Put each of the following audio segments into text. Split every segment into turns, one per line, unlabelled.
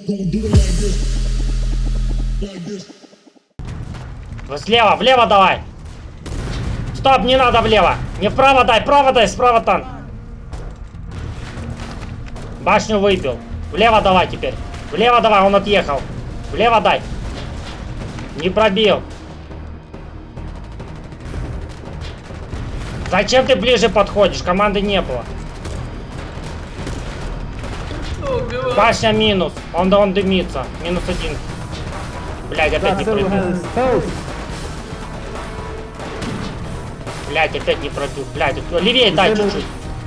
Слева, влево давай. Стоп, не надо влево. Не вправо дай, справа танк. Башню выбил. Влево давай теперь. Влево давай, он отъехал. Влево дай. Не пробил. Зачем ты ближе подходишь? Команды не было. Башня минус. Он дымится. Минус один. Блядь, опять не пробил. Блядь, опять не пробил. Блядь, левее дай чуть-чуть.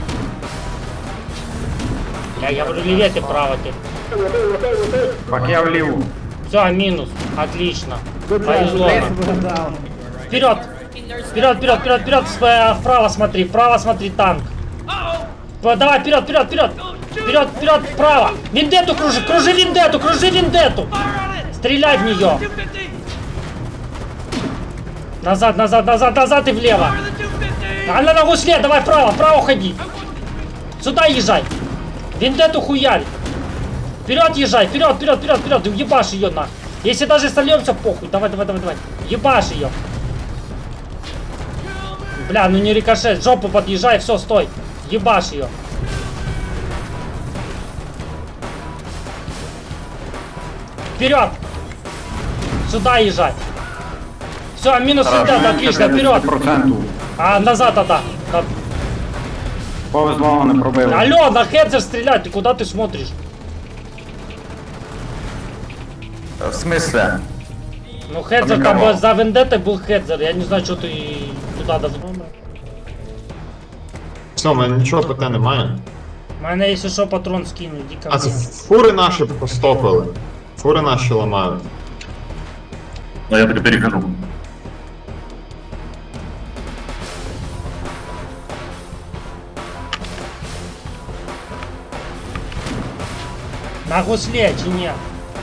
Блядь, я говорю, левее ты, право ты.
Как я влил.
Все, минус. Отлично. Повезло нам. Вперед! Вперед! Вправо смотри, танк. Давай, вперед! Вперед, вправо! Вендетту кружи вендетту! Стреляй в нее! Назад и влево! А на гусле, давай вправо ходи! Сюда езжай! Вендетту хуярь! Вперед езжай, вперед, ебашь ее на. Если даже сольемся, похуй, давай. Ебашь ее. Бля, ну не рикошет, жопу подъезжай, все, стой. Ебашь ее. Вперед! Сюда езжай. Все, минус вендетта, отлично, вперед. А назад тогда.
Повезло, не пробив.
Алло, на хедзер стрелять, ты куда ты смотришь?
В смысле?
Ну хедзер там за вендеттой был хедзер, я не знаю, что ты туда даже...
Все, у мене нічого ПТ немає.
У мене, якщо що, патрон скину, іди ко
А це
мне.
фури наші постопили. Фури наші ламають.
Ну я таки перехожу.
На гусле, чи ні?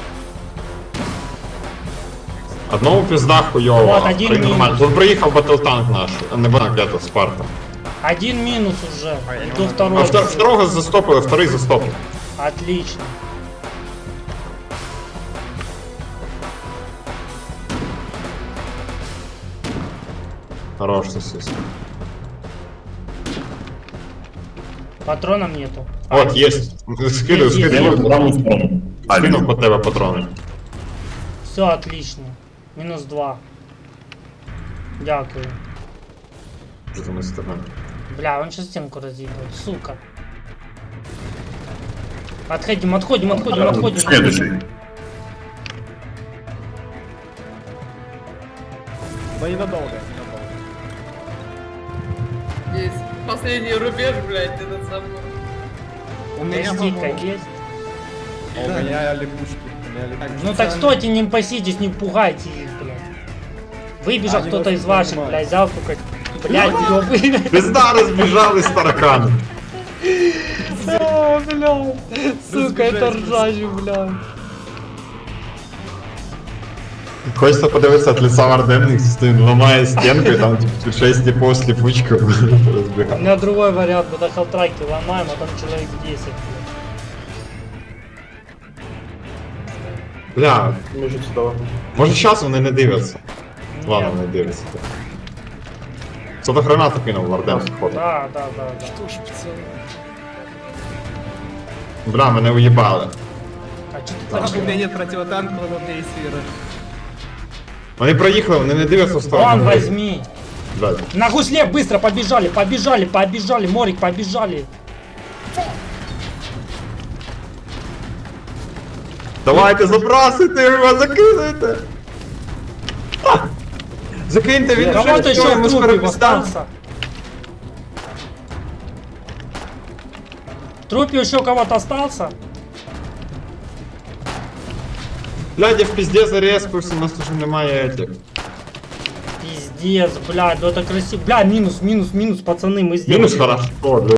Одному пізда хуйово.
Вот, один
При- нормально.
мінус.
Тут приїхав батлтанк наш, а не банк, Спарта.
Один минус уже, иду
А
второй.
второго застопили, вторий застопив.
Отлично.
Хорош сосиска.
Патронов нету.
От, есть. Скидывай,
Есть,
Я
скидывай.
в правую сторону.
Скинув по тебе патрони.
Все отлично. Минус 2. Дякую.
Що там із тебе?
Бля, он сейчас стенку разъебает, сука. Отходим.
Следующий.
Да ненадолго.
Есть последний рубеж, блядь, этот самый.
У меня
Стика есть?
А у меня липучки.
Ну так стойте, не паситесь, не пугайте их, блядь. Выбежал
Они
кто-то
вас
из ваших,
понимают.
блядь, взял только... Блядь, ёбы.
Пизда розбіжались таракани.
А, блядь. Сука, это ржачь, блядь.
Хочеться подивитися від лица Варденних, він ламає стінку, і там типу 6 типов з ліпучкою
У
розбігає.
меня другой вариант, мы до халтраки ломаем, а там человек 10, блядь.
Бля, може зараз вони не дивляться. Ладно,
Нет.
не дивляться. Хто-то гранату кинув Варден сходу.
Да.
Бля, мене уїбали.
А что ты так
У меня нет противотанкового действия.
Вони проїхали, вони не дивляться в сторону.
Вон,
гри.
возьми.
Блядь.
На гусле быстро побежали, Морик, побежали.
Давайте забрасуйте його, закидайте! А! Закиньте, він вже
Кого-то еще
все,
в
йому скоро
трупе
пізда.
остался. В трупе еще кого-то остался?
Блядь, я в пізде зареспився, у нас уже немає этих.
Пиздец, блядь, ну это красиво. Бля, минус, пацаны, мы сделали.
Мінус хорошо,